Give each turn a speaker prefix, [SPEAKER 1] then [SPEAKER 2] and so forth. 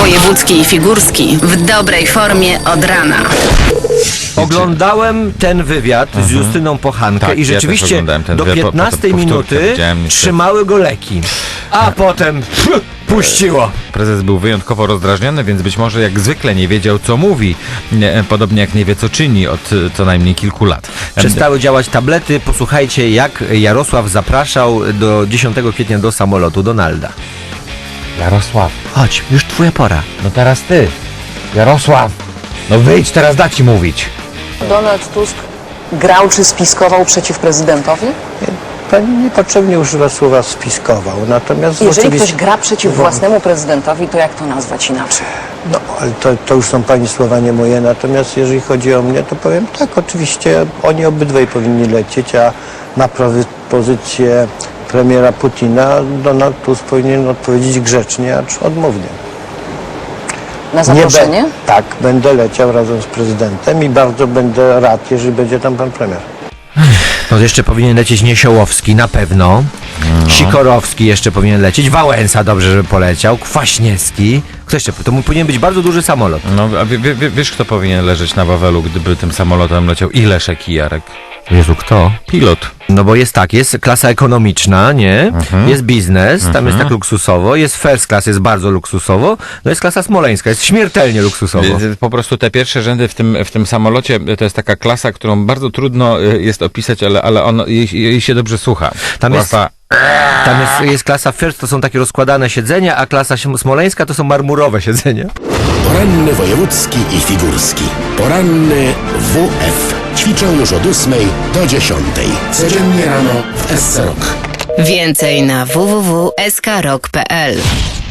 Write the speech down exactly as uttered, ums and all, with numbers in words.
[SPEAKER 1] Wojewódzki i Figurski w dobrej formie od rana.
[SPEAKER 2] Oglądałem ten wywiad z Justyną Pochankę
[SPEAKER 3] Tak,
[SPEAKER 2] i
[SPEAKER 3] ja też
[SPEAKER 2] rzeczywiście
[SPEAKER 3] oglądałem ten
[SPEAKER 2] do
[SPEAKER 3] wywiad, po-
[SPEAKER 2] piętnastej
[SPEAKER 3] potem powtórkę
[SPEAKER 2] minuty
[SPEAKER 3] widziałem niestety.
[SPEAKER 2] trzymały go leki, a potem pff, puściło.
[SPEAKER 3] Prezes był wyjątkowo rozdrażniony, więc być może jak zwykle nie wiedział, co mówi. Nie, podobnie jak nie wie, co czyni od e, co najmniej kilku lat.
[SPEAKER 2] Przestały działać tablety. Posłuchajcie, jak Jarosław zapraszał do dziesiątego kwietnia do samolotu Donalda.
[SPEAKER 3] Jarosław,
[SPEAKER 2] Chodź, już twoja pora.
[SPEAKER 3] no teraz ty. Jarosław, no wyjdź, teraz da ci mówić.
[SPEAKER 4] Donald Tusk grał czy spiskował przeciw prezydentowi?
[SPEAKER 5] Pani niepotrzebnie używa słowa spiskował, natomiast
[SPEAKER 4] Jeżeli
[SPEAKER 5] oczywiście...
[SPEAKER 4] ktoś gra przeciw własnemu prezydentowi, to jak to nazwać inaczej?
[SPEAKER 5] No, ale to, to już są pani słowa, nie moje, natomiast jeżeli chodzi o mnie, to powiem tak, oczywiście oni obydwaj powinni lecieć, a na propozycję premiera Putina Donald Tusk powinien odpowiedzieć grzecznie, acz odmównie.
[SPEAKER 4] Na
[SPEAKER 5] Nie
[SPEAKER 4] zaproszenie?
[SPEAKER 5] be- tak, będę leciał razem z prezydentem i bardzo będę rad, jeżeli będzie tam pan premier.
[SPEAKER 2] No jeszcze powinien lecieć Niesiołowski, na pewno. Sikorowski jeszcze powinien lecieć. Wałęsa dobrze, żeby poleciał. Kwaśniewski. Kto jeszcze? To mu powinien być bardzo duży samolot.
[SPEAKER 3] No, a wie, wie, wiesz, kto powinien leżeć na Wawelu, gdyby tym samolotem leciał? I Leszek, i Jarek.
[SPEAKER 2] Jezu, kto?
[SPEAKER 3] Pilot.
[SPEAKER 2] No bo jest tak, jest klasa ekonomiczna, nie? Jest biznes, tam jest tak luksusowo, jest first class, jest bardzo luksusowo, no jest klasa smoleńska, jest śmiertelnie luksusowo.
[SPEAKER 3] Y, Po prostu te pierwsze rzędy w tym, w tym samolocie to jest taka klasa, którą bardzo trudno y, jest opisać, ale, ale on, jej, jej się dobrze słucha.
[SPEAKER 2] Tam jest-
[SPEAKER 3] Klasa-
[SPEAKER 2] Tam jest, jest klasa first, to są takie rozkładane siedzenia, a klasa śm- smoleńska to są marmurowe siedzenia.
[SPEAKER 6] Poranny wojewódzki i figurski. Poranny W F. Ćwiczą już od ósmej do dziesiątej. Codziennie rano w S C Rock.
[SPEAKER 1] Więcej na w w w kropka s k rock kropka p l.